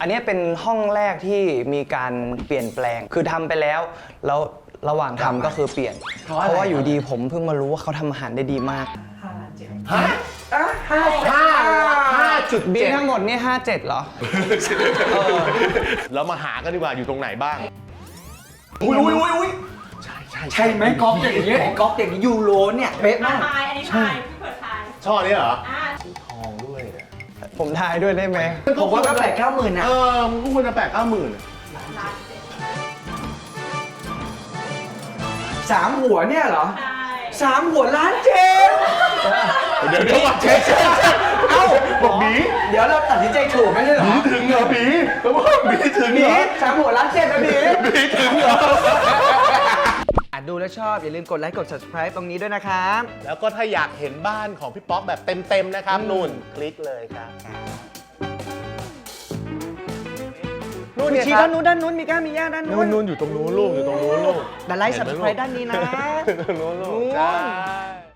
อันนี้เป็นห้องแรกที่มีการเปลี่ยนแปลงคือทำไปแล้วระหว่างทำก็คือเปลี่ยน เพราะว่าอยู่ดีผมเพิ่งมารู้ว่าเขาทำอาหารได้ดีมากฮะ5.7 บินทั้งหมดนี่57เหรอเรามาหากันดีกว่าอยู่ตรงไหนบ้างอุ้ยใช่ไหมก๊อฟอย่างเงี้ยก๊อฟอย่างนี้ยูโรเนี่ยเป๊ะมากทายอันนี้ทายพี่เปิดทายช่อนี้เหรอทองด้วยเนี่ยผมทายด้วยได้ไหมผมว่าก็8-9 หมื่นนะมึงก็ควรจะ8-9 หมื่นล้านเจ็ด 3 หัวเนี่ยเหรอใช่ 3 หัวล้านเจ็ดเดี๋ยวว่าเช็คเอ้าบอกหมีเดี๋ยวเราตัดสินใจถูกไม่ใช่เหรอหมีถึงเหรอหมีแล้วว่าหมีถึงหเหรมีอ 3 หัวล้านเจ็ดนะหมีหมีถึงเหรอดูแล้วชอบอย่าลืมกดไลค์กด subscribe ตรงนี้ด้วยนะครับแล้วก็ถ้าอยากเห็นบ้านของพี่ป๊อกแบบเต็มๆนะครับนู่นคลิกเลยครับนู่นชี้ด้านนู้นมีก้ามีย่าด้านนู้นนู่นอยู่ตรงนู้นลูกอยู่ตรงนู้นลูกแต่ไลค์ subscribe ด้านนี้นะตรงนู้นลูกนู่นใช่